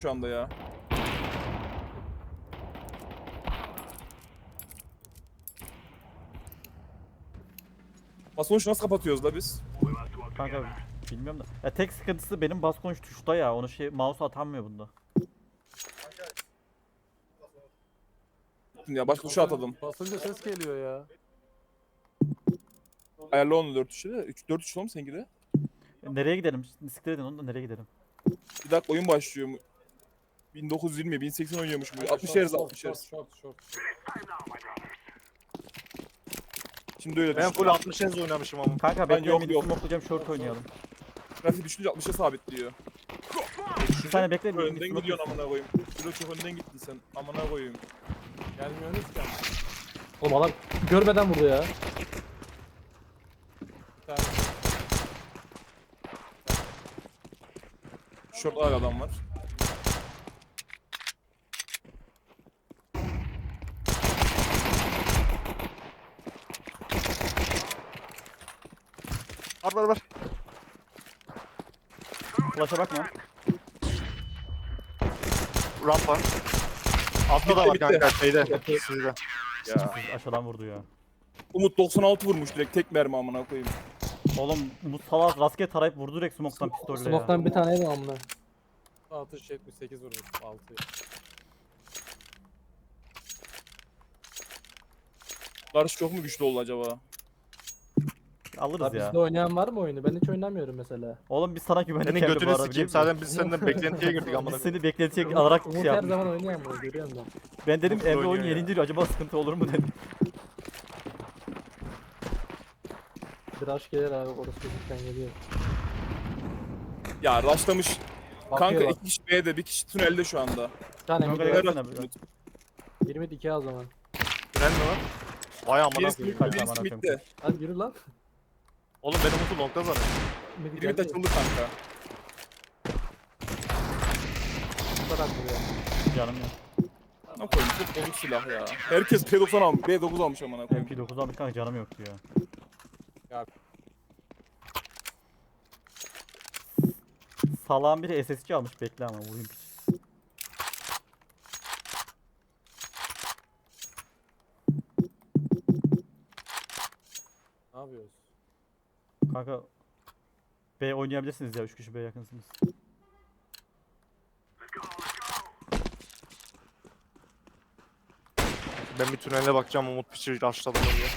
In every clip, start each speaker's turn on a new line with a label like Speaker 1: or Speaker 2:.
Speaker 1: şu anda ya. Sonuç nasıl kapatıyoruz la biz?
Speaker 2: Kanka bilmiyorum da. Ya tek sıkıntısı benim bas konuş tuşta ya. Onu mouse atamıyor bunda.
Speaker 1: Ya başka tuşa atadım.
Speaker 3: Basınca ses geliyor ya.
Speaker 1: Ayarla onu 4 tuşu da. 4 tuşu mu seninki de?
Speaker 2: Nereye gidelim? Siktir edin onu da nereye gidelim?
Speaker 1: Bir dakika oyun başlıyor mu? 1920, 1080 oynuyormuş bu. 60 Hz, 60 Hz.
Speaker 3: Short.
Speaker 1: Şimdi öyle
Speaker 4: Ben
Speaker 1: düştü.
Speaker 4: full 60 Hz oynamışım ama.
Speaker 2: Kanka
Speaker 1: Ben
Speaker 2: bekle
Speaker 1: yok,
Speaker 2: midi
Speaker 1: yok.
Speaker 2: smokelayacağım short oynayalım.
Speaker 1: Grafik düşünce 60'a sabitliyor.
Speaker 2: Bir saniye bekle midi
Speaker 1: Önden gidiyorsun
Speaker 2: smoke.
Speaker 1: amına koyayım. Şurada çok önden gittin sen. Amına koyayım.
Speaker 3: Gelmiyorsunuz ki. Oğlum adam görmeden vurdu ya. Bir tane.
Speaker 1: Şurada hala adam var.
Speaker 4: Var.
Speaker 2: Flash'a bakma.
Speaker 4: Rampa. Altta da var
Speaker 1: Bitti.
Speaker 4: kanka şeyde. Sizde.
Speaker 1: Ya.
Speaker 2: Aşağıdan vurdu ya.
Speaker 1: Umut 96 vurmuş direkt tek mermi amına koyayım.
Speaker 2: Oğlum bu salak rastgele tarayıp vurdu direkt smoke'tan pistolle ya.
Speaker 5: Smoke'tan bir tane yedim amına.
Speaker 3: Atış 78 vurmuş. 6.
Speaker 1: Karşı çok mu güçlü oldu acaba?
Speaker 2: Alırız
Speaker 5: Abi
Speaker 2: ya.
Speaker 5: bizde oynayan var mı oyunu? Ben hiç oynamıyorum mesela.
Speaker 2: Oğlum biz sana güvendik
Speaker 4: Senin
Speaker 2: geldi bu
Speaker 4: götünü
Speaker 2: arada
Speaker 4: sikeyim.
Speaker 2: biliyor musun?
Speaker 4: Zaten biz senden beklentiye girdik amına
Speaker 2: Biz
Speaker 4: koyayım.
Speaker 2: seni beklentiye alarak
Speaker 5: Umut
Speaker 2: şey
Speaker 5: her
Speaker 2: yaptık.
Speaker 5: zaman oynayan bunu görüyorum ben.
Speaker 2: Ben dedim
Speaker 1: Umut
Speaker 2: Emre
Speaker 1: oynuyor
Speaker 2: oyunu
Speaker 1: ya.
Speaker 2: yenildi diyor. Acaba sıkıntı olur mu dedim.
Speaker 5: Bir aşk gelir abi orası çocuktan geliyor.
Speaker 1: Ya rushlamış. Kanka
Speaker 5: Bakıyor bak.
Speaker 1: 2 kişi B'de, bir kişi tünelde şu anda.
Speaker 5: Bir tane
Speaker 2: Kanka
Speaker 5: mid
Speaker 2: gel.
Speaker 5: var.
Speaker 2: Versene bir.
Speaker 5: 22 o zaman.
Speaker 4: Tren mi var? Vay amına
Speaker 1: Birisi
Speaker 4: koyayım.
Speaker 2: Kaç
Speaker 1: birisi
Speaker 2: amına koyayım.
Speaker 1: midde.
Speaker 5: Hadi yürü lan.
Speaker 4: Oğlum benim Umut'u longda zaten.
Speaker 5: Mid
Speaker 1: Biri mid
Speaker 5: geldi.
Speaker 1: açıldı kanka.
Speaker 5: Bu kadar vuruyor.
Speaker 2: Canım ya.
Speaker 1: Ne koyayım çok bozuk silah ya. Herkes P90 almış, B9 almış amına koyayım.
Speaker 2: MP9 almış kanka canım yoktu ya.
Speaker 3: Ya.
Speaker 2: Salağın biri SSC almış bekle ama vurayım piç.
Speaker 3: Ne yapıyoruz?
Speaker 2: Kanka B oynayabilirsiniz ya 3 kişi B yakınsınız.
Speaker 4: Ben bir tünele bakacağım Umut piçi rushladı mı diye.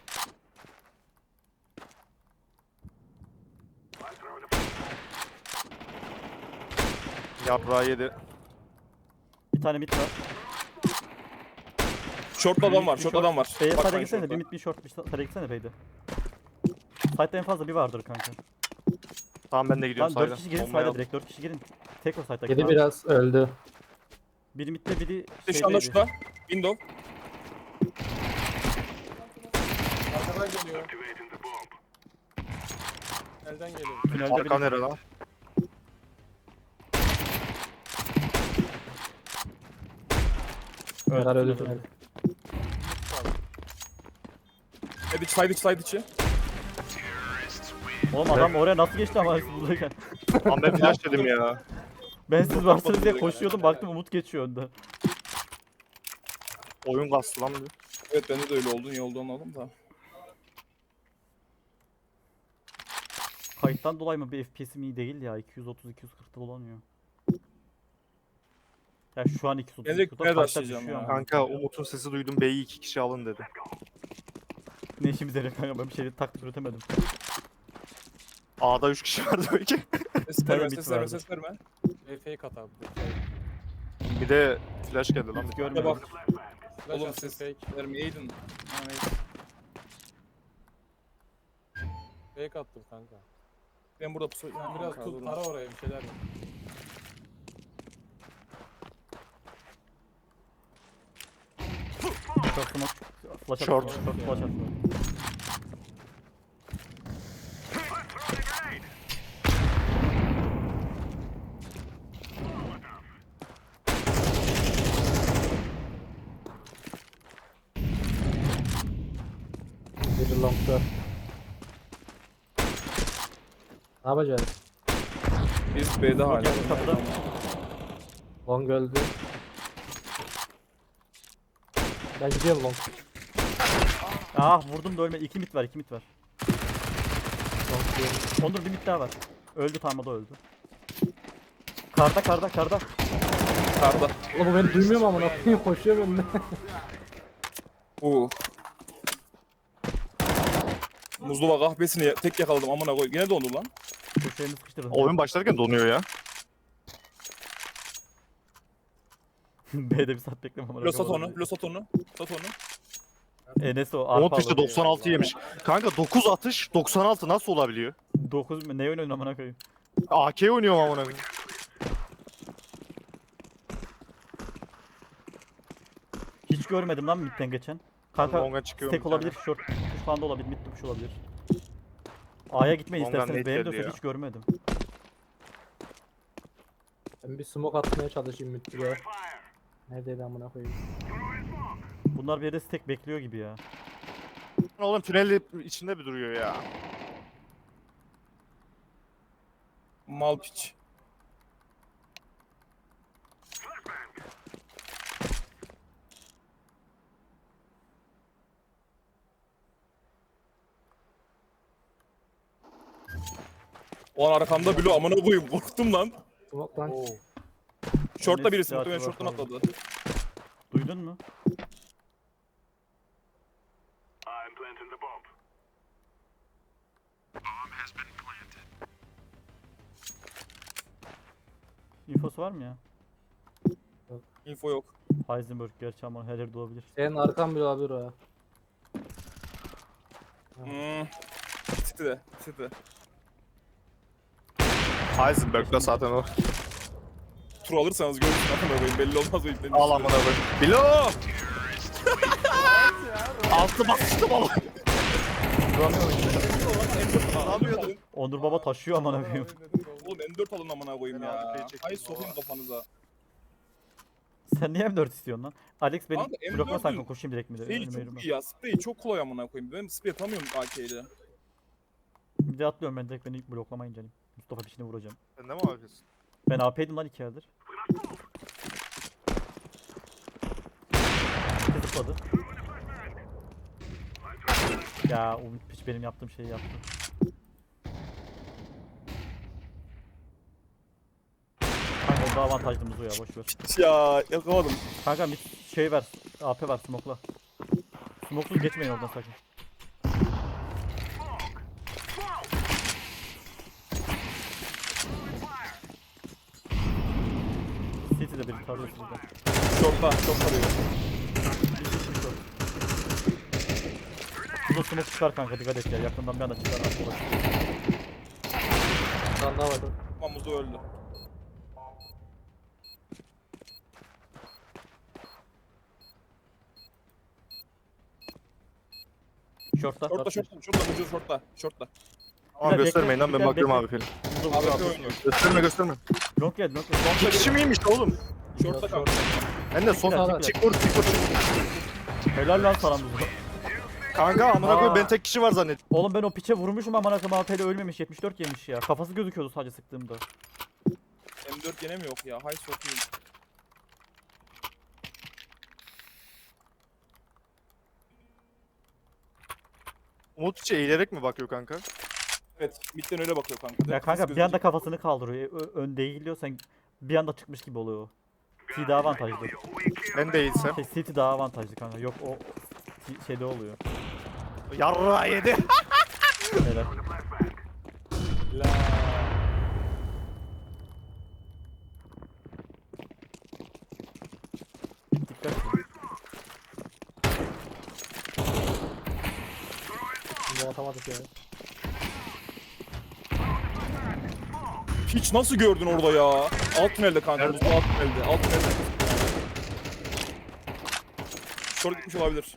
Speaker 4: Yaprağı yedi.
Speaker 2: Bir tane mid var.
Speaker 1: Short adam var, short adam var.
Speaker 2: B'ye side'e
Speaker 1: Bakmayın
Speaker 2: gitsene
Speaker 1: short'a.
Speaker 2: bir mid bir short bir side'e gitsene B'de. Side'de en fazla bir vardır kanka.
Speaker 4: Tamam ben de gidiyorum
Speaker 2: Tamam 4
Speaker 4: sayda.
Speaker 2: kişi girin
Speaker 4: Bombayı
Speaker 2: side'e
Speaker 4: al.
Speaker 2: direkt 4 kişi girin. Tek o side'daki.
Speaker 5: Yedi
Speaker 2: tamam.
Speaker 5: biraz öldü.
Speaker 2: Biri midde biri
Speaker 1: Şu anda
Speaker 2: şeydeydi.
Speaker 1: şurada. Window.
Speaker 3: Arkadan geliyor. Elden geliyor.
Speaker 2: Tünelde
Speaker 4: Arka
Speaker 2: biri.
Speaker 4: nere lan?
Speaker 5: Neler öldü
Speaker 2: tünelde.
Speaker 5: tünel.
Speaker 1: Side içi.
Speaker 2: Oğlum adam oraya nasıl geçti ama siz buradayken.
Speaker 4: Lan ben flash dedim ya.
Speaker 2: Ben siz varsınız diye koşuyordum baktım Umut geçiyor önden.
Speaker 4: Oyun kastı lan bir.
Speaker 1: Evet bende de öyle oldu. Niye oldu anladım da.
Speaker 2: Kayıttan dolayı mı bir FPS'im iyi değil ya 230-240'da dolanıyor. Ya şu an 230
Speaker 1: Ben direkt
Speaker 2: 240'da
Speaker 1: nerede
Speaker 2: kayıttan
Speaker 1: başlayacağım
Speaker 2: düşüyor
Speaker 1: ya?
Speaker 2: ama.
Speaker 4: Kanka Umut'un sesi duydum B'yi 2 kişi alın dedi.
Speaker 2: Ne işimize yarıyor kanka ben bir şey taktik üretemedim.
Speaker 4: A'da 3 kişi vardı belki.
Speaker 1: Ses
Speaker 2: Tabii
Speaker 1: verme,
Speaker 2: bit
Speaker 1: ses verme,
Speaker 2: vardı.
Speaker 1: ses verme.
Speaker 3: Fake at abi.
Speaker 4: Bir de flash geldi lan.
Speaker 2: Hiç
Speaker 1: Ya
Speaker 2: görmüyorum.
Speaker 1: bak.
Speaker 3: Flash
Speaker 1: Oğlum
Speaker 3: at,
Speaker 1: ses
Speaker 3: fake.
Speaker 1: vermeyeydin. Ha, neyse.
Speaker 3: Fake attım kanka.
Speaker 1: Ben burada pusu...
Speaker 3: Biraz tut para oraya bir şeyler yap.
Speaker 2: Short smoke flash at.
Speaker 4: Short.
Speaker 2: Flash at.
Speaker 5: Biri long'da. Ne yapacağız?
Speaker 1: Biz B'de hala.
Speaker 2: Yakın kapıda.
Speaker 5: Long öldü. Ben gidiyorum long.
Speaker 2: Ah vurdum da ölme. 2 mit var, 2 mit var.
Speaker 5: Long gidiyorum.
Speaker 2: Onur bir mit daha var. Öldü, tamam o da öldü. Karda.
Speaker 1: Karda.
Speaker 5: Oğlum bu beni duymuyor mu amına koyayım? Koşuyor benimle.
Speaker 1: Muzdova kahvesini tek yakaladım amına koy. Yine dondu lan.
Speaker 2: Köşeğimi sıkıştırın.
Speaker 4: Oyun başlarken donuyor ya.
Speaker 2: B'de bir saat bekleme amına
Speaker 1: Lo
Speaker 2: koyayım.
Speaker 1: sat onu. Sat onu.
Speaker 2: Enes o arpa
Speaker 4: Umut işte
Speaker 2: aldı.
Speaker 4: 96 yemiş. Kanka 9 atış 96 nasıl olabiliyor?
Speaker 2: 9 mu? Ne oynuyorsun amına koyayım?
Speaker 4: AK oynuyorum amına koyayım.
Speaker 2: Hiç görmedim lan midden geçen. Kanka
Speaker 4: Longa çıkıyorum
Speaker 2: tek
Speaker 4: bir tane.
Speaker 2: olabilir, short tuş falan da olabilir, mid tuş olabilir. A'ya gitmeyin
Speaker 4: Longan
Speaker 2: isterseniz,
Speaker 4: net
Speaker 2: benim
Speaker 4: geldi
Speaker 2: de
Speaker 4: ya.
Speaker 2: hiç görmedim.
Speaker 5: Ben bir smoke atmaya çalışayım müttüye. Neredeydi amına koyayım?
Speaker 2: Bunlar bir yerde stack bekliyor gibi ya.
Speaker 4: Oğlum tünel içinde bir duruyor ya.
Speaker 1: Mal piç. O an arkamda Blue amına koyayım korktum lan.
Speaker 5: Smoke lan.
Speaker 1: Short'ta
Speaker 2: Enes
Speaker 1: birisi
Speaker 2: ya,
Speaker 1: muhtemelen
Speaker 2: atıyor
Speaker 1: short'tan
Speaker 2: bakalım.
Speaker 1: atladı.
Speaker 2: Duydun mu? İnfosu var mı ya?
Speaker 1: Info yok.
Speaker 2: Heisenberg gerçi ama her yerde olabilir.
Speaker 5: Senin arkan bile olabilir o ya.
Speaker 1: City.
Speaker 4: Heisenberg'da zaten o.
Speaker 1: Tur alırsanız görürsün amına koyayım belli olmaz o iplerin.
Speaker 4: Al amına koyayım. Bilo! Altı basıştım oğlum.
Speaker 1: Ne yapıyordun?
Speaker 2: Onur Baba taşıyor amına koyayım.
Speaker 1: Oğlum M4 alın amına koyayım ya. Hay sokayım kafanıza.
Speaker 2: Sen niye M4 istiyorsun lan? Alex beni
Speaker 1: Kanka, M4'ün
Speaker 2: blokla sakın koşayım direkt mi de?
Speaker 1: Sprey
Speaker 2: Önüme yürüme.
Speaker 1: çok iyi ya. Sprey çok kolay amına koyayım. Ben sprey atamıyorum AK ile.
Speaker 2: Bir de atlıyorum ben direkt beni bloklamayınca. Hani. Mustafa peşine vuracağım.
Speaker 4: Sen de mi yapıyorsun?
Speaker 2: Ben AP'ydim lan 2 aydır. Bir zıpladı. Ya Umut piç benim yaptığım şeyi yaptı. Kanka onda avantajlımız o ya boşver.
Speaker 1: Ya yakaladım.
Speaker 2: Kanka bir şey ver. AP ver smoke'la. Smoke'suz geçmeyin oradan sakın. City'de biri tarıyor sizden.
Speaker 1: Short'ta. Short arıyor.
Speaker 2: Şurada smoke çıkar kanka dikkat et ya. Yakından bir anda çıkar. Arka bak.
Speaker 5: Bir tane daha var.
Speaker 1: Ama Muzo öldü.
Speaker 2: Short'ta.
Speaker 1: Short'ta Muzo short'ta.
Speaker 4: Ama
Speaker 2: Bekle,
Speaker 4: göstermeyin lan ben
Speaker 2: bekle,
Speaker 4: bakıyorum
Speaker 2: bekle.
Speaker 4: abi film.
Speaker 1: AWP oynuyor.
Speaker 4: Gösterme.
Speaker 2: Long geldi long geldi.
Speaker 4: İki kişi miymiş oğlum?
Speaker 1: Short'ta kanka.
Speaker 4: Ben de son
Speaker 2: Tekrar,
Speaker 4: çık vur.
Speaker 2: Helal lan sana Muzo.
Speaker 4: Kanka amına
Speaker 2: Aa.
Speaker 4: koyayım ben tek kişi var zannettim.
Speaker 2: Oğlum ben o piçe vurmuşum amına koyayım AP'de ölmemiş 74 yemiş ya. Kafası gözüküyordu sadece sıktığımda.
Speaker 1: M4 gene mi yok ya? Hay sokayım.
Speaker 4: Umut içi eğilerek mi bakıyor kanka?
Speaker 1: Evet, midden öyle bakıyor kanka.
Speaker 2: Ya
Speaker 1: Direkt
Speaker 2: kanka
Speaker 1: kız
Speaker 2: bir anda
Speaker 1: gözükecek.
Speaker 2: kafasını kaldırıyor. Ön değiliyor sen bir anda çıkmış gibi oluyor o. T daha avantajlı.
Speaker 4: Ben değilsem.
Speaker 2: City daha avantajlı kanka. Yok o şeyde oluyor.
Speaker 4: Yarra yedi.
Speaker 2: Helal. Dikkat.
Speaker 5: Şimdi atamadık ya.
Speaker 1: Hiç nasıl gördün orada ya? Alt tünelde kanka.
Speaker 4: Nerede?
Speaker 1: Muzo alt tünelde. Alt tünelde. Short gitmiş olabilir.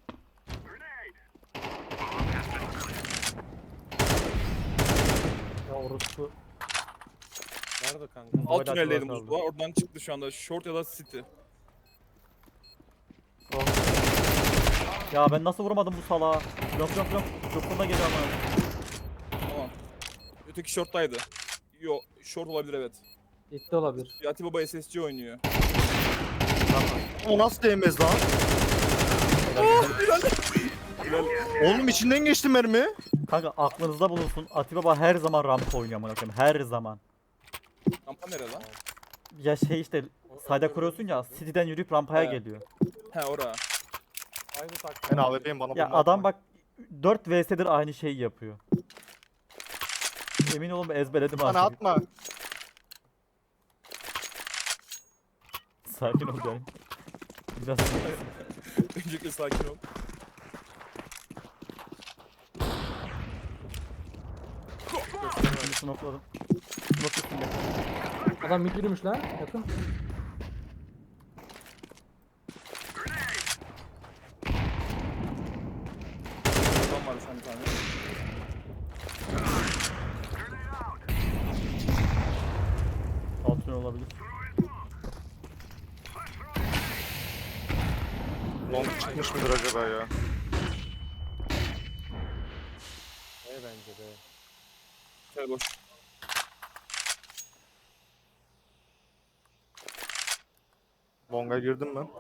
Speaker 5: Ya orospu.
Speaker 3: Nerede kanka?
Speaker 1: Alt
Speaker 2: Hala
Speaker 1: tüneldeydi
Speaker 2: kaldı.
Speaker 1: Muzo. Oradan çıktı şu anda. Short ya da City.
Speaker 2: Ya ben nasıl vuramadım bu salağa? Yok. Yokluğuna geliyor ama.
Speaker 1: Tamam. Öteki short'taydı. Yo, short olabilir evet.
Speaker 5: Gitti olabilir.
Speaker 1: Yati Baba SSC oynuyor.
Speaker 4: O nasıl değmez lan? Oğlum içinden geçti mermi.
Speaker 2: Kanka aklınızda bulunsun. Atiba Baba her zaman rampa oynuyor amına koyayım. Her zaman.
Speaker 1: Rampa nere lan?
Speaker 2: Ya şey işte sayda kuruyorsun ya City'den yürüyüp rampaya
Speaker 1: He.
Speaker 2: geliyor.
Speaker 1: He ora.
Speaker 3: Aynı taktik.
Speaker 4: Ben AWP'yim bana
Speaker 2: Ya
Speaker 4: bomba
Speaker 2: adam
Speaker 4: atma.
Speaker 2: bak 4 vs'dir aynı şeyi yapıyor. Emin olun ezberledim
Speaker 4: Bana
Speaker 2: artık.
Speaker 4: atma.
Speaker 2: Sakin ol yani. Biraz
Speaker 1: Öncelikle sakin ol.
Speaker 2: şimdi smokladım. Smoke üstünde.
Speaker 5: Adam mid yürümüş lan. Yakın.
Speaker 1: Adam var sen bir tane.
Speaker 2: Altın olabilir.
Speaker 4: Long çıkmış mıdır acaba ya?
Speaker 3: Bence de.
Speaker 1: Şöyle boş.
Speaker 4: Long'a girdim ben.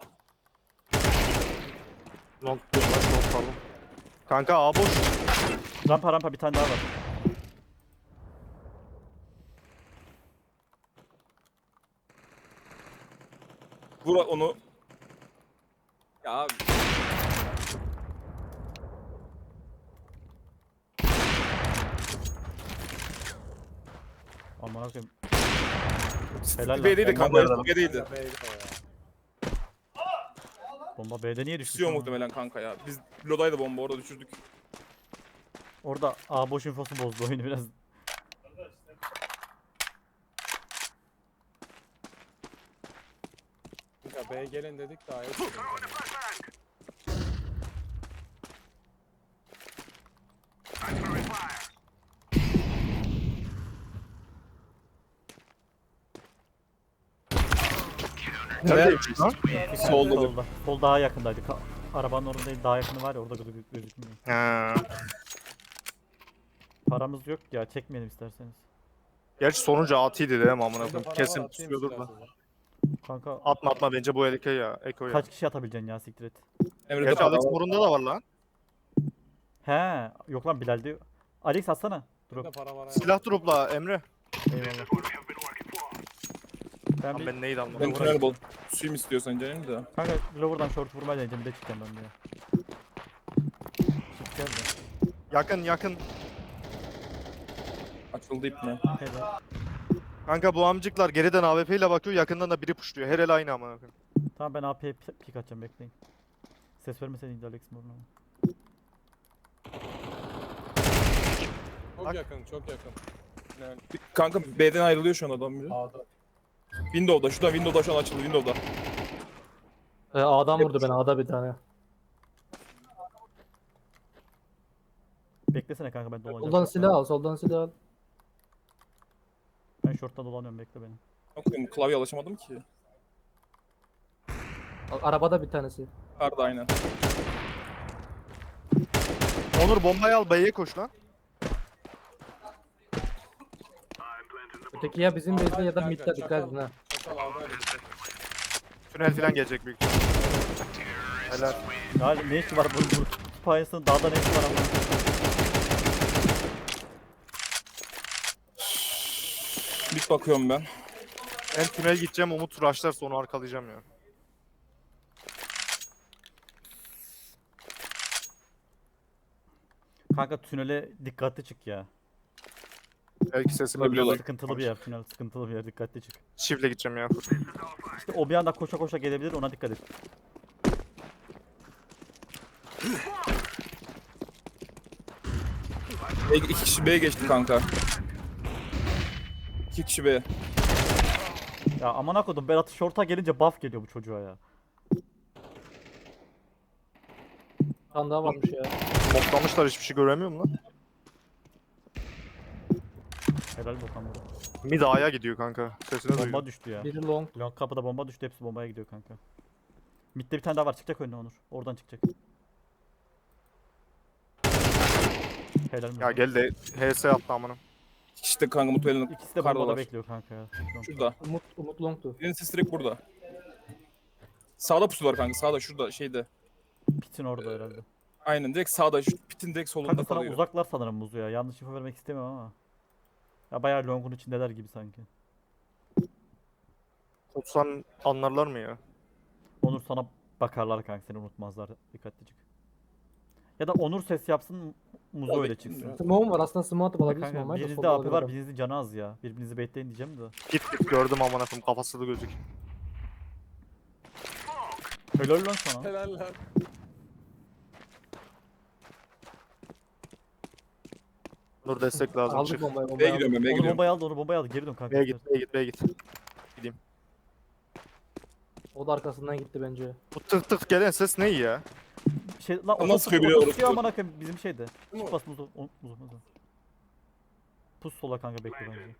Speaker 4: Long pardon. Kanka A boş.
Speaker 2: Rampa bir tane daha var.
Speaker 1: Vur onu. Ya abi.
Speaker 2: Aman akıyım. Helal lan.
Speaker 1: B'deydi
Speaker 4: Bomba
Speaker 1: kanka.
Speaker 4: nerede?
Speaker 1: B'deydi.
Speaker 3: Beydi o ya.
Speaker 2: Bomba B'de niye düştü?
Speaker 1: Düşüyor
Speaker 2: şu an?
Speaker 1: muhtemelen kanka ya. Biz Loda'ydı bomba orada düşürdük.
Speaker 2: Orada A boş infosu bozdu oyunu biraz.
Speaker 3: Kanka B'ye gelin dedik de A'ya
Speaker 4: Neredeymiş lan?
Speaker 1: Solda.
Speaker 2: Solda. Sol daha yakındaydı. Arabanın orada değil daha yakını var ya orada gözükmüyor.
Speaker 4: Ha.
Speaker 2: Paramız yok ya çekmeyelim isterseniz.
Speaker 4: Gerçi sonuncu atıydı değil mi amına
Speaker 3: Bende
Speaker 4: koyayım?
Speaker 3: para var,
Speaker 4: Kesin
Speaker 3: atayım
Speaker 4: tutuyordur da.
Speaker 3: isterseniz.
Speaker 2: Kanka
Speaker 4: Atma bence bu elike ya. Eko ya.
Speaker 2: kaç kişi atabileceksin ya siktir et.
Speaker 1: Emre'de
Speaker 4: Gerçi
Speaker 1: para
Speaker 4: Alex
Speaker 1: var.
Speaker 4: Morun'da da var lan.
Speaker 2: He yok lan Bilal'de. Alex atsana.
Speaker 3: Bende
Speaker 2: Drop.
Speaker 3: para var.
Speaker 4: Silah dropla Emre.
Speaker 2: Eyvallah. Ben
Speaker 4: Lan
Speaker 2: bir
Speaker 4: ben neyi
Speaker 1: Ben
Speaker 4: anlamadım.
Speaker 1: tünel bol. Suyum istiyorsan canım da.
Speaker 2: kanka lower'dan short vurmaya deneyeceğim bir de çıkacağım ben de ya. Çık gel de.
Speaker 4: Yakın.
Speaker 1: Açıldı ip mi?
Speaker 2: Helal.
Speaker 4: Kanka bu amcıklar geriden AWP ile bakıyor, yakından da biri puşluyor. Her el aynı amına koyayım.
Speaker 2: Tamam ben AP'ye pik atacağım bekleyin. Ses vermeseydin de Alex Morun'a.
Speaker 3: Çok
Speaker 4: Bak.
Speaker 3: yakın, çok yakın. Yani
Speaker 1: Kanka B'den ayrılıyor şu an adam biri.
Speaker 3: A'da.
Speaker 1: Window'da. Şuradan Window'da şu an açıldı Window'da.
Speaker 5: A'dan vurdu beni. A'da bir tane.
Speaker 2: Beklesene kanka ben dolanacağım.
Speaker 5: Soldan silah al. Soldan silah al.
Speaker 2: Ben short'ta dolanıyorum bekle beni.
Speaker 1: Bakın klavye alışamadım ki.
Speaker 5: Arabada bir tanesi.
Speaker 1: Arda aynen.
Speaker 4: Onur bombayı al, B'ye koş lan.
Speaker 5: Öteki ya bizim base'de ya da
Speaker 3: Kanka,
Speaker 5: mid'de dikkat edin ha.
Speaker 3: Çakal A'da öyle.
Speaker 4: Tünel falan gelecek büyük ihtimalle. Helal.
Speaker 2: Ya ne işi var bu payasının dağda ne işi var ama.
Speaker 1: Bir bakıyorum ben.
Speaker 4: Ben tünel gideceğim, Umut rushlarsa onu arkalayacağım ya.
Speaker 2: Kanka tünele dikkatli çık ya.
Speaker 4: Belki sesimi
Speaker 1: Biliyorlar.
Speaker 4: biliyorlar.
Speaker 2: Sıkıntılı bir yer tünel sıkıntılı bir yer dikkatli çık.
Speaker 4: Çiftle gideceğim ya.
Speaker 2: İşte o bir anda koşa koşa gelebilir ona dikkat et.
Speaker 1: İki kişi B'ye geçti kanka. İki kişi B.
Speaker 2: Ya aman akıdım Berat short'a gelince buff geliyor bu çocuğa ya.
Speaker 5: Bir tane daha varmış ya.
Speaker 4: Toplamışlar, hiçbir şey göremiyorum lan.
Speaker 2: Helal Bokan burada.
Speaker 4: Mid A'ya gidiyor kanka. Sesini
Speaker 2: Bomba
Speaker 4: duyuyor.
Speaker 2: düştü ya.
Speaker 5: Biri long.
Speaker 2: Long kapıda bomba düştü hepsi bombaya gidiyor kanka. Mid'de bir tane daha var çıkacak önüne Onur. Oradan çıkacak. Helal mi?
Speaker 4: Ya gel de HS attı amına.
Speaker 1: İşte kanka Mutuela'nın
Speaker 2: İkisi de
Speaker 1: karda
Speaker 2: bombada
Speaker 1: var.
Speaker 2: bekliyor kanka ya.
Speaker 1: Şurada.
Speaker 5: Umut longtu.
Speaker 1: Birinin sesi direkt burada. Sağda pusu var kanka. Sağda şurada şeyde.
Speaker 2: Pitin orada herhalde.
Speaker 1: Aynen direkt sağda. Şu pitin direkt solunda
Speaker 2: Kanka sana
Speaker 1: kalıyor.
Speaker 2: uzaklar sanırım Muzu ya. Yanlış info vermek istemiyorum ama. Ya bayağı longun içindeler gibi sanki.
Speaker 4: Tutsan anlarlar mı ya?
Speaker 2: Onur sana bakarlar kanka, seni unutmazlar, dikkatlicik. Ya da Onur ses yapsın, Muzu
Speaker 1: Tabii
Speaker 2: öyle
Speaker 1: ki
Speaker 2: çıksın.
Speaker 1: ya.
Speaker 5: Smoke'um var aslında, smoke atıp
Speaker 2: Ya
Speaker 5: alabilirsin
Speaker 2: kanka
Speaker 5: ama.
Speaker 2: birinizde AP var, birinizin canı az ya. Birbirinizi bekleyin diyeceğim de.
Speaker 4: Git git gördüm amına koyayım kafası da gözük.
Speaker 2: Helal lan sana.
Speaker 3: Helal lan.
Speaker 4: Nur destek lazım
Speaker 5: Aldık
Speaker 4: çık.
Speaker 5: bombayı
Speaker 1: B'ye
Speaker 5: bombayı.
Speaker 1: gidiyorum ben B'ye
Speaker 2: Onu
Speaker 1: gidiyorum.
Speaker 2: bombayı aldı, onu bombayı aldı. Geri dön kanka.
Speaker 4: B'ye git B'ye git B'ye git.
Speaker 5: O da arkasından gitti bence.
Speaker 4: Bu tık tık gelen ses ne ya?
Speaker 2: Şey, lan
Speaker 1: Ama sıkıyor bile
Speaker 2: oto
Speaker 1: orası.
Speaker 2: sıkıyor aman akım bizim şeyde.
Speaker 3: Değil mi?
Speaker 2: Bas Muzu, Muzu. Pus sola kanka, bekle bence.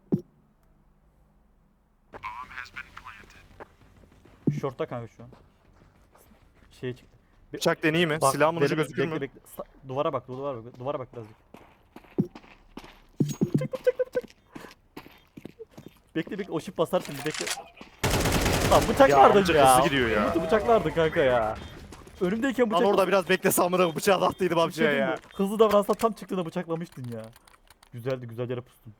Speaker 2: Short'ta kanka şu an. Şeye çıktı.
Speaker 4: Bıçak deneyeyim mi? Silahımın ucu
Speaker 2: bekle,
Speaker 4: gözükür mü?
Speaker 2: bekle. Duvara bak, duvara bak birazcık. Bekle, o şip basar şimdi, bekle. Lan
Speaker 4: Ya
Speaker 2: bıçaklardın
Speaker 4: amca
Speaker 2: ya.
Speaker 4: hızlı gidiyor ya.
Speaker 2: Umut'u bıçaklardın kanka ya. Önümdeyken
Speaker 4: Lan
Speaker 2: bıçak...
Speaker 4: orada biraz beklese amına bıçağı attıydım
Speaker 2: Bir şey
Speaker 4: amcaya
Speaker 2: diyeyim
Speaker 4: ya.
Speaker 2: mi? Hızlı davransa tam çıktığında bıçaklamıştın ya. Güzeldi, güzel yere pustun.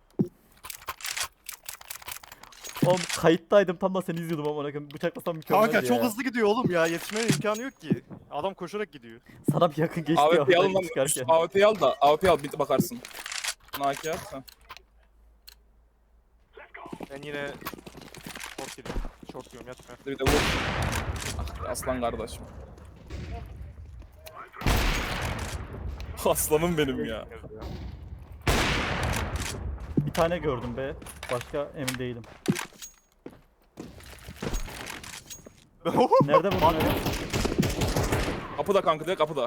Speaker 2: Oğlum kayıttaydım, tam da seni izliyordum ama bıçaklasam mükemmeldi
Speaker 4: Kanka
Speaker 2: ya.
Speaker 4: çok hızlı gidiyor oğlum ya. Yetişmeye imkanı yok ki. Adam koşarak gidiyor.
Speaker 2: Sana bir yakın geçti
Speaker 1: AWP'yi
Speaker 2: ya
Speaker 1: alın lan.
Speaker 2: çıkarken.
Speaker 1: AWP'yi al da. AWP'yi al bir bakarsın. Naki at. Ha.
Speaker 4: Ben yine short gidiyorum. Short diyorum yatma.
Speaker 1: Bir de vur. Ah, aslan kardeşim. Aslanım benim ya.
Speaker 2: Bir tane gördüm be. Başka emin değilim. Nerede buldun öyle?
Speaker 1: Kapıda kanka direkt kapıda.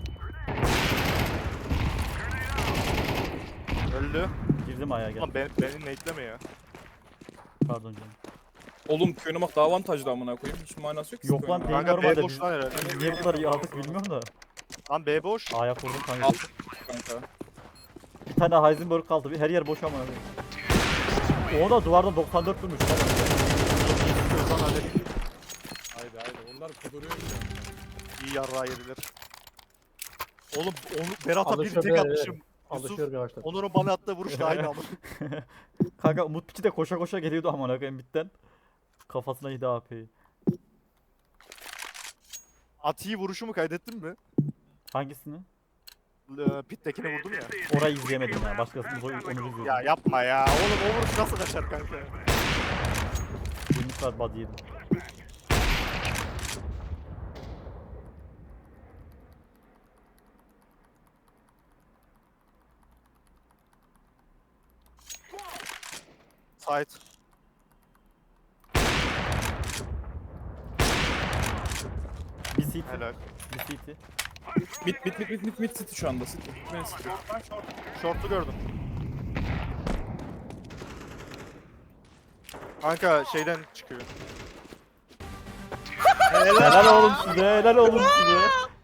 Speaker 4: Öldü.
Speaker 2: Girdim ayağa gel.
Speaker 4: Lan beni nate'leme ya.
Speaker 2: Pardon canım.
Speaker 1: Oğlum köyüne bak daha avantajlı amına koyayım. Hiç manası yok ki.
Speaker 2: Yok lan,
Speaker 1: köyüne.
Speaker 2: değil
Speaker 4: Kanka B
Speaker 2: normalde.
Speaker 4: boş lan herhalde.
Speaker 2: Biz niye bu kadar iyi aldık bilmiyorum da.
Speaker 4: Lan B boş.
Speaker 2: A'ya kurdum kanka.
Speaker 1: Al kanka.
Speaker 2: Bir tane Heisenberg kaldı. Her yer boş ama. O da duvarda 94 durmuş.
Speaker 4: Lan hadi.
Speaker 3: Haydi haydi. Onlar kuduruyor bile.
Speaker 4: İyi yarrağı yediler. Oğlum onu Berat'a bir
Speaker 5: Alışıyor
Speaker 4: tek
Speaker 5: be,
Speaker 4: atmışım. Yusuf,
Speaker 5: Alışıyor yavaştan.
Speaker 4: Onur'un bana attığı vuruş da aynı ama.
Speaker 2: Kanka Umut Piçi de koşa koşa geliyordu amına koyayım bitten. Kafasına yedi AP'yi.
Speaker 4: Ati'yi vuruşumu kaydettin mi?
Speaker 2: Hangisini?
Speaker 4: Pit'tekini vurdum ya.
Speaker 2: Orayı izleyemedim ya. Başkasını onu izliyordum.
Speaker 4: Ya yapma ya. Oğlum o vuruş nasıl kaçar kanka?
Speaker 2: 20 saat body yedim.
Speaker 4: Sait.
Speaker 2: Bir CT.
Speaker 4: Helal.
Speaker 2: Bir CT.
Speaker 1: Mid city şu anda city. Main city.
Speaker 4: Short'u gördüm. Kanka şeyden çıkıyor.
Speaker 2: Helal oğlum size. Helal oğlum size.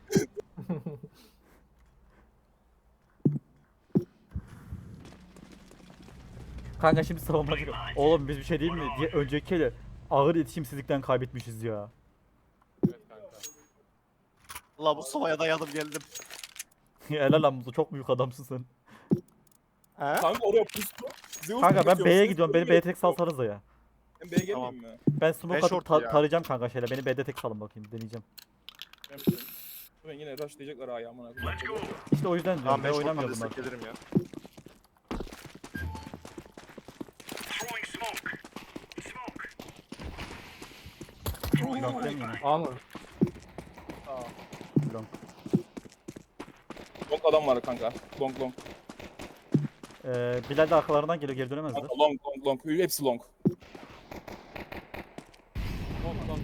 Speaker 2: Kanka şimdi savunma gibi. Oğlum biz bir şey değil mi? Diye önceki ele ağır iletişimsizlikten kaybetmişiz ya.
Speaker 3: Evet kanka.
Speaker 4: Allah bu sobaya dayadım geldim.
Speaker 2: Helal lan Muzo, çok büyük adamsın sen.
Speaker 4: He?
Speaker 1: Kanka oraya pustu. Zeus
Speaker 2: Kanka ben
Speaker 1: bakıyor,
Speaker 2: B'ye
Speaker 1: Zeus
Speaker 2: gidiyorum. Beni
Speaker 1: bakıyor.
Speaker 2: B'ye tek salsanız da ya.
Speaker 1: Ben B'ye gelmeyeyim
Speaker 4: Tamam.
Speaker 1: mi?
Speaker 2: Ben smoke
Speaker 4: Ben
Speaker 2: atıp
Speaker 4: short ya.
Speaker 2: tarayacağım kanka şeyle. Beni B'de tek salın bakayım. Deneyeceğim.
Speaker 1: Ben yine rushlayacaklar ayağı amına koyayım.
Speaker 2: İşte o yüzden
Speaker 4: Tamam
Speaker 2: diyorum.
Speaker 4: ben
Speaker 2: B
Speaker 4: short'tan
Speaker 2: oynamıyor bunlar.
Speaker 4: destek gelirim ya.
Speaker 2: Long demiyor mu?
Speaker 5: A mı?
Speaker 2: Long.
Speaker 1: Long adam var kanka. Long.
Speaker 2: Bilal de arkalarından geliyor. Geri dönemezler.
Speaker 1: Kanka, long. Hepsi long.
Speaker 3: Long.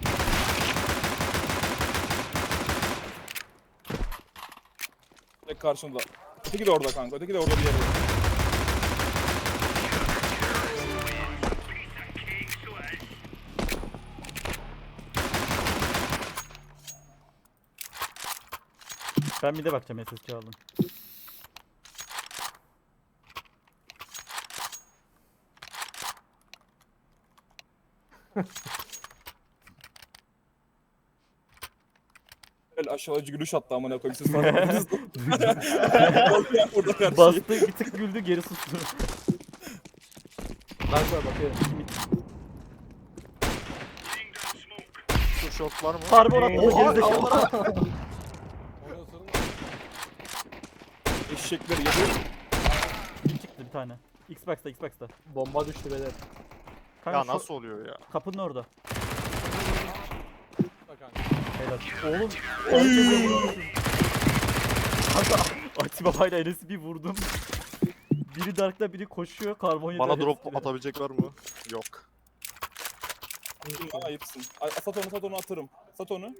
Speaker 1: Tek karşında. Öteki de orada kanka. Öteki de orada bir yerde.
Speaker 2: Ben bir de bakacağım SSC aldım.
Speaker 1: Böyle aşağıcı gülüş attı amına koyayım siz fark ettiniz mi? Burada karşı.
Speaker 2: Bastı bir tık güldü geri sustu.
Speaker 5: Dark var bakıyor.
Speaker 4: Şu short var mı?
Speaker 2: Harbi attı
Speaker 5: Oha!
Speaker 2: gerizekalı.
Speaker 3: Onu ısırma.
Speaker 1: Eşekler yedi.
Speaker 2: Bir çıktı bir tane. Xbox'ta Xbox'ta.
Speaker 5: Bomba düştü beyler.
Speaker 2: Kanka
Speaker 4: Ya
Speaker 2: şu
Speaker 4: nasıl oluyor ya?
Speaker 2: kapının orada.
Speaker 3: Bak kanka.
Speaker 2: Helal. Oğlum. herkese vurmuşum. Kanka Ati babayla Enes'i bir vurdum. Biri Dark'ta biri koşuyor. Karbon
Speaker 4: Bana
Speaker 2: yedi,
Speaker 4: drop
Speaker 2: hepsi biri.
Speaker 4: atabilecek var mı? Yok.
Speaker 1: Bana ayıpsın. Sat onu atarım. Sat onu.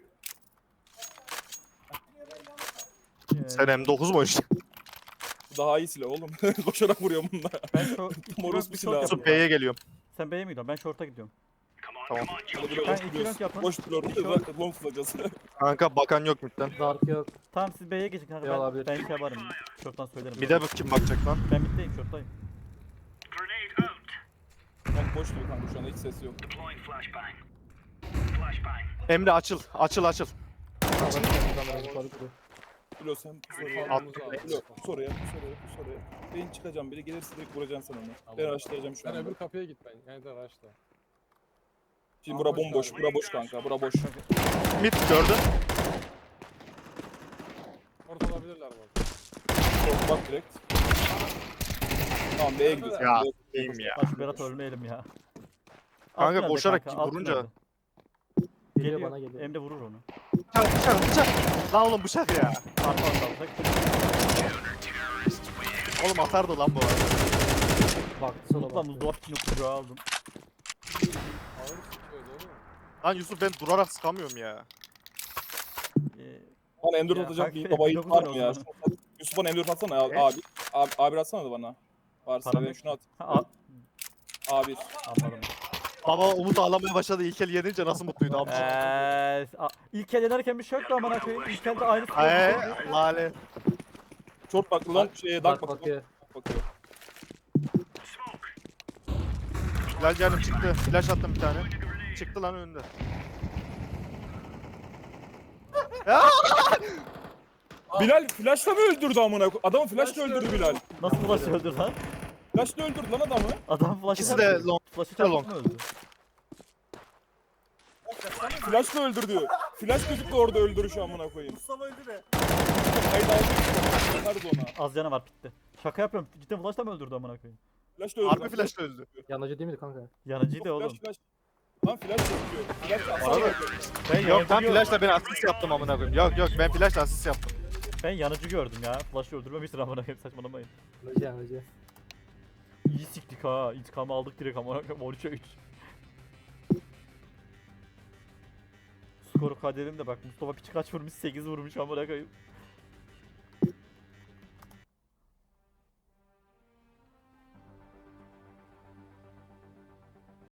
Speaker 4: Sen M9 mu oynuyorsun?
Speaker 1: Bu daha iyi silah oğlum. Koşarak vuruyorum bununla.
Speaker 2: Ben şu
Speaker 1: Morus bir
Speaker 2: short
Speaker 1: silah.
Speaker 2: yapıyorum.
Speaker 4: Yusuf B'ye geliyorum.
Speaker 2: Sen B'ye mi gidiyorsun? Ben short'a gidiyorum.
Speaker 4: Tamam.
Speaker 1: Hadi bir
Speaker 2: Ben
Speaker 1: boş
Speaker 2: iki
Speaker 1: duruyoruz.
Speaker 2: rank yapın.
Speaker 1: Boş duruyoruz.
Speaker 2: İki rank.
Speaker 1: Long tutacağız.
Speaker 4: Kanka bakan yok midden.
Speaker 5: Dark yok.
Speaker 2: Tamam siz B'ye geçin kanka.
Speaker 5: Ya olabilir.
Speaker 2: Ben şey yaparım. Short'tan söylerim.
Speaker 4: Bir de kim bakacak lan?
Speaker 2: Ben middeyim short'tayım.
Speaker 1: Long boş duruyor kanka şu anda hiç ses yok.
Speaker 4: Emre açıl. Açıl açıl.
Speaker 1: Bilo sen
Speaker 4: At.
Speaker 1: Bilo soruya. Ben çıkacağım biri gelirse direkt vuracaksın sen onu. Ben araştıracağım şu
Speaker 3: Sen
Speaker 1: anda.
Speaker 3: öbür kapıya git ben. Yani de araçla.
Speaker 1: Şimdi bura bomboş. Bura boş kanka. Bura boş.
Speaker 4: Mid gördün.
Speaker 3: Orada olabilirler bu.
Speaker 1: Bak direkt. Tamam B'ye gidiyoruz.
Speaker 4: Ya
Speaker 1: B'ye-
Speaker 4: iyiyim ya.
Speaker 2: Bak Berat ölmeyelim ya.
Speaker 4: Kanka
Speaker 2: Alt tünelde
Speaker 4: koşarak
Speaker 2: kanka, alt
Speaker 4: vurunca-
Speaker 2: tünelde.
Speaker 5: Geliyor bana geliyor.
Speaker 2: Emre vurur onu.
Speaker 4: Bıçak. Lan oğlum bıçak ya.
Speaker 2: Arka alsak.
Speaker 4: Oğlum atardı lan bu arada.
Speaker 5: Baktı sola
Speaker 2: Lan
Speaker 5: baktı.
Speaker 2: buzdolabı içine kucağı aldım.
Speaker 3: Ağır sıkıyor değil mi?
Speaker 4: Lan Yusuf ben durarak sıkamıyorum ya.
Speaker 1: Bana M4
Speaker 2: Ya
Speaker 1: atacak
Speaker 2: kanka,
Speaker 1: bir baba yiğit var mı
Speaker 2: M9
Speaker 1: ya?
Speaker 2: o zaman.
Speaker 1: Yusuf bana M4 atsana abi. Abi atsana da bana. Varsa
Speaker 2: Param
Speaker 1: ben
Speaker 2: yok.
Speaker 1: şunu at.
Speaker 2: Ha,
Speaker 1: A1.
Speaker 2: anladım.
Speaker 4: Baba Umut ağlamaya başladı. İlkel yenince nasıl mutluydu abi.
Speaker 2: İlk el yenerken bir şey yoktu amına koyayım. İlk elde aynı
Speaker 4: Lale.
Speaker 1: Short bak long şeye dark
Speaker 5: Dark
Speaker 1: bak.
Speaker 5: bakıyor.
Speaker 1: Bakıyor.
Speaker 4: Bilal canım çıktı. Flash attım bir tane. Çıktı lan önünde.
Speaker 1: Bilal flashla mı öldürdü amına koyayım? Adamı flashla öldürdü Bilal.
Speaker 2: Nasıl flash öldü lan?
Speaker 1: Flashla öldürdü lan adamı.
Speaker 2: Adam flash'ı
Speaker 4: İkisi de long.
Speaker 2: Flash'ı
Speaker 4: de long.
Speaker 2: çarpıp mı öldü?
Speaker 1: Flashla öldürdü. Flash gözüktü orada öldürüşü amına koyayım.
Speaker 6: Mustafa öldü de.
Speaker 1: Haydi aldık. Yakarız ona.
Speaker 2: Az canı var bitti. Şaka yapıyorum. Cidden flash'la mı öldürdü amına koyayım?
Speaker 1: Flashla öldürdü.
Speaker 4: Harbi flashla öldü.
Speaker 5: Yanıcı değil miydi kanka?
Speaker 2: Yanıcıydı oğlum.
Speaker 1: Flash. Lan flash yapıyor. Flash
Speaker 4: Bana da-
Speaker 1: asana.
Speaker 4: Yok ben flashla ben asist yaptım amına koyayım. Yok ben flashla asist yaptım.
Speaker 2: Ben yanıcı gördüm ya. Flash'ı öldürmemiştir amına koyayım saçmalamayın.
Speaker 5: Yanıcı.
Speaker 2: İyi siktik ha. İntikamı aldık direkt amına koyayım. 13'e 3. Skoru kaderim de bak Mustafa piç kaç vurmuş 8 vurmuş amına koyayım.